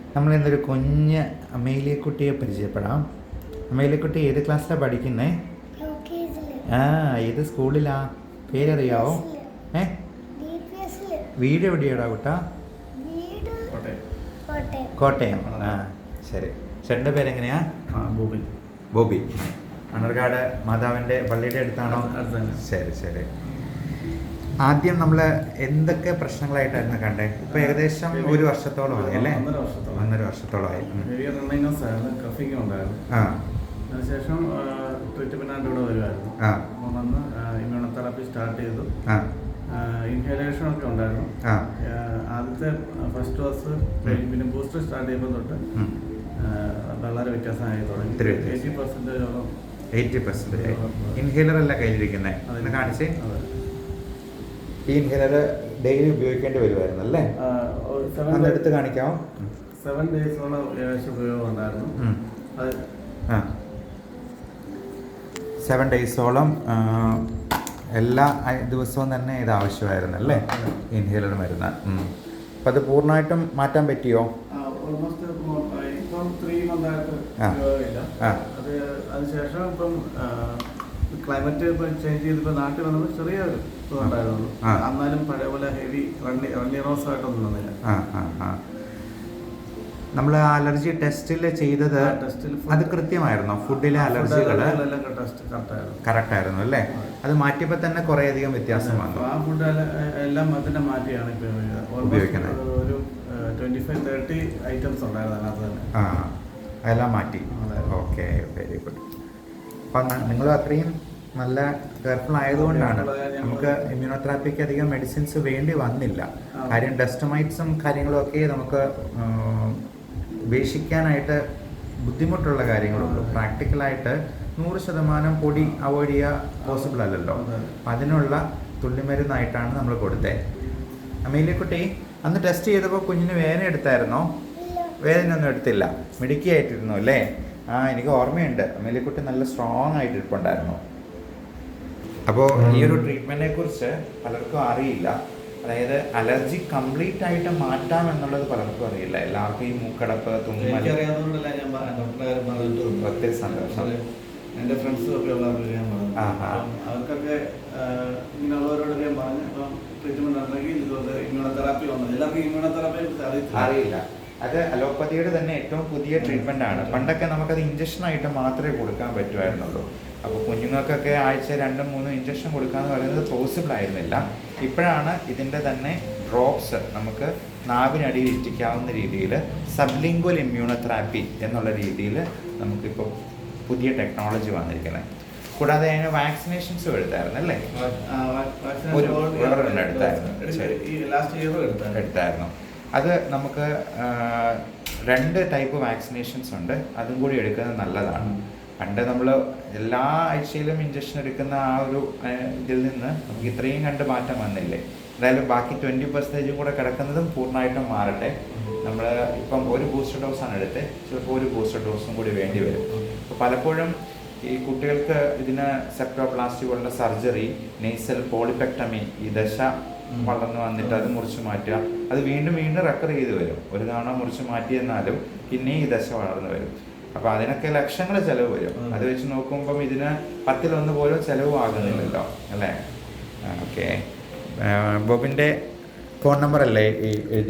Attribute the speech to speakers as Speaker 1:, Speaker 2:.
Speaker 1: നമ്മളിന്നൊരു കുഞ്ഞ് അമേലിയക്കുട്ടിയെ പരിചയപ്പെടാം. അമേലിയക്കുട്ടി ഏത് ക്ലാസ്സിലാണ് പഠിക്കുന്നേ? ഏത് സ്കൂളിലാ? പേരറിയാവോ? വീട് എവിടെയാടാ കുട്ടാ? കോട്ടയം. ശരി. ചേട്ടൻ്റെ പേരെങ്ങനെയാ? ബോബി. മണ്ണർക്കാട് മാതാവിൻ്റെ പള്ളിയുടെ അടുത്താണോ? ശരി ശരി. ആദ്യം നമ്മൾ എന്തൊക്കെ പ്രശ്നങ്ങളായിട്ടായിരുന്നു കണ്ടേ? ഇപ്പൊ ഏകദേശം ഒരു വർഷത്തോളമായി അല്ലേ? 1.5 വർഷത്തോളമായി.
Speaker 2: അതിനുശേഷം ട്രീറ്റ്മെന്റ് ഇവിടെ വരുമായിരുന്നു. വന്ന് ഇമ്മ്യൂണോതെറാപ്പി സ്റ്റാർട്ട് ചെയ്തു. ഇൻഹേലേഷൻ ഒക്കെ ഉണ്ടായിരുന്നു. ആദ്യത്തെ ഫസ്റ്റ് ഡോസ് പിന്നെ ബൂസ്റ്റർ സ്റ്റാർട്ട് ചെയ്യുമ്പോൾ തൊട്ട് വളരെ വ്യത്യാസമായി തുടങ്ങി.
Speaker 1: 80% ഇൻഹേലർ അല്ല കയ്യിലിരിക്കുന്നത്. കാണിച്ചേ. ഈ ഇൻഹേലർ ഡെയിലി ഉപയോഗിക്കേണ്ടി വരുമായിരുന്നു അല്ലേ? അതെടുത്ത് കാണിക്കാമോ?
Speaker 2: 7 ഡേയ്സോളം ഉപയോഗം ഉണ്ടായിരുന്നു.
Speaker 1: 7 ഡേയ്സോളം എല്ലാ ദിവസവും തന്നെ ഇത് ആവശ്യമായിരുന്നു അല്ലേ? ഇൻഹേലർ മരുന്ന്. അപ്പം അത് പൂർണ്ണമായിട്ടും മാറ്റാൻ പറ്റിയോ?
Speaker 2: ഓൾമോസ്റ്റ് ഇപ്പം 3 മന്തായിട്ട് ഉപയോഗമില്ല. അതിനുശേഷം ഇപ്പം ക്ലൈമറ്റ് ഇപ്പം ചേഞ്ച് ചെയ്തിപ്പോൾ നാട്ടിൽ വന്നപ്പോൾ ചെറിയൊരു ഉണ്ടായിരുന്നു. എന്നാലും പഴയ പോലെ ഹെവി റണ്ണിറോസ് ആയിട്ടൊന്നും വന്നില്ല.
Speaker 1: നമ്മൾ അലർജി ടെസ്റ്റിൽ ചെയ്തത് അത് കൃത്യമായിരുന്നോ? ഫുഡിലെ അലർജികൾ കറക്റ്റ് ആയിരുന്നു അല്ലേ? അത് മാറ്റിയപ്പോൾ തന്നെ കുറേ അധികം വ്യത്യാസം വന്നു.
Speaker 2: ആ ഫുഡ് എല്ലാം അതിനെ മാറ്റിയാണ്
Speaker 1: ഉപയോഗിക്കുന്നത്.
Speaker 2: ഒരു 25-30 ഐറ്റംസ് ഉണ്ടായിരുന്നു അതിനകത്ത് തന്നെ.
Speaker 1: അതെല്ലാം മാറ്റി. Okay, very good. അപ്പം നിങ്ങൾ അത്രയും നല്ല കെയർഫുൾ ആയതുകൊണ്ടാണ് നമുക്ക് ഇമ്മ്യൂണോതെറാപ്പിക്ക് അധികം മെഡിസിൻസ് വേണ്ടി വന്നില്ല. കാര്യം ഡെസ്റ്റമൈറ്റ്സും കാര്യങ്ങളും ഒക്കെ നമുക്ക് ഉപേക്ഷിക്കാനായിട്ട് ബുദ്ധിമുട്ടുള്ള കാര്യങ്ങളുള്ളൂ. പ്രാക്ടിക്കലായിട്ട് 100% പൊടി അവോയ്ഡ് ചെയ്യുക പോസിബിൾ അല്ലല്ലോ. അതിനുള്ള തുള്ളിമരുന്നായിട്ടാണ് നമ്മൾ കൊടുത്തത്. അമേലിയക്കുട്ടി, അന്ന് ടെസ്റ്റ് ചെയ്തപ്പോൾ കുഞ്ഞിന് വേദന എടുത്തായിരുന്നോ? വേദനയൊന്നും എടുത്തില്ല, മിടുക്കിയായിട്ടിരുന്നു അല്ലേ? എനിക്ക് ഓർമ്മയുണ്ട്. അമേലിയക്കുട്ടി നല്ല സ്ട്രോങ് ആയിട്ട് ഇരിപ്പുണ്ടായിരുന്നു. അപ്പോൾ ഈ ഒരു ട്രീറ്റ്മെൻറ്റിനെ കുറിച്ച് പലർക്കും അറിയില്ല. അതായത് അലർജി കംപ്ലീറ്റ് ആയിട്ട് മാറ്റാം എന്നുള്ളത് പലർക്കും അറിയില്ല. എല്ലാവർക്കും ഈ മൂക്കടപ്പ്, തുമ്മൽ. ഒത്തിരി സന്തോഷം.
Speaker 2: എൻ്റെ ഫ്രണ്ട്സും ഒക്കെ ഉള്ളവർക്ക് ഞാൻ പറഞ്ഞു. അവർക്കൊക്കെ ഇങ്ങനെയുള്ളവരോട് ഞാൻ പറഞ്ഞു. അപ്പം ട്രീറ്റ്മെന്റ് നടന്നെങ്കിൽ ഇതുകൊണ്ട് ഇമ്മ്യൂണോതെറാപ്പി വന്നത് എല്ലാവർക്കും ഇമ്മ്യൂണോതെറാപ്പി അറിയില്ല.
Speaker 1: അത് അലോപ്പതിയുടെ തന്നെ ഏറ്റവും പുതിയ ട്രീറ്റ്മെൻ്റ് ആണ്. പണ്ടൊക്കെ നമുക്കത് ഇഞ്ചക്ഷനായിട്ട് മാത്രമേ കൊടുക്കാൻ പറ്റുമായിരുന്നുള്ളൂ. അപ്പോൾ കുഞ്ഞുങ്ങൾക്കൊക്കെ ആഴ്ച 2-3 ഇഞ്ചക്ഷൻ കൊടുക്കാമെന്ന് പറയുന്നത് പോസിബിൾ ആയിരുന്നില്ല. ഇപ്പോഴാണ് ഇതിൻ്റെ തന്നെ ഡ്രോപ്സ് നമുക്ക് നാവിനടിയിൽ ഇറ്റിക്കാവുന്ന രീതിയിൽ സബ്ലിംഗ്വൽ ഇമ്മ്യൂണോതെറാപ്പി എന്നുള്ള രീതിയിൽ നമുക്കിപ്പോൾ പുതിയ ടെക്നോളജി വന്നിരിക്കുന്നത്. കൂടാതെ അതിന് വാക്സിനേഷൻസും എടുത്തായിരുന്നു അല്ലേ? എടുത്തായിരുന്നു. അത് നമുക്ക് 2 ടൈപ്പ് വാക്സിനേഷൻസ് ഉണ്ട്. അതും കൂടി എടുക്കുന്നത് നല്ലതാണ്. പണ്ട് നമ്മൾ എല്ലാ ആഴ്ചയിലും ഇഞ്ചക്ഷൻ എടുക്കുന്ന ആ ഒരു ഇതിൽ നിന്ന് നമുക്ക് ഇത്രയും കണ്ട് മാറ്റം വന്നില്ലേ? എന്തായാലും ബാക്കി 20% കൂടെ കിടക്കുന്നതും പൂർണ്ണമായിട്ടും മാറട്ടെ. നമ്മൾ ഇപ്പം ഒരു ബൂസ്റ്റർ ഡോസാണ് എടുത്തത്. ചിലപ്പോൾ ഒരു ബൂസ്റ്റർ ഡോസും കൂടി വേണ്ടി വരും. അപ്പോൾ പലപ്പോഴും ഈ കുട്ടികൾക്ക് ഇതിന് സെപ്റ്റോപ്ലാസ്റ്റി പോലുള്ള സർജറി, നെയ്സൽ പോളിപെക്ടമി, ഈ ദശ വളർന്നു വന്നിട്ട് അത് മുറിച്ച് മാറ്റുക, അത് വീണ്ടും റെക്കർ ചെയ്ത് വരും. ഒരു തവണ മുറിച്ച് മാറ്റിയെന്നാലും പിന്നെ ഈ ദശ വളർന്നു വരും. അപ്പോൾ അതിനൊക്കെ ലക്ഷങ്ങൾ ചിലവ് വരും. അത് വെച്ച് നോക്കുമ്പം ഇതിന് 10-1 പോലും ചിലവും ആകുന്നില്ലല്ലോ അല്ലേ? ഓക്കെ. ബോബിൻ്റെ ഫോൺ നമ്പർ അല്ലേ ഈ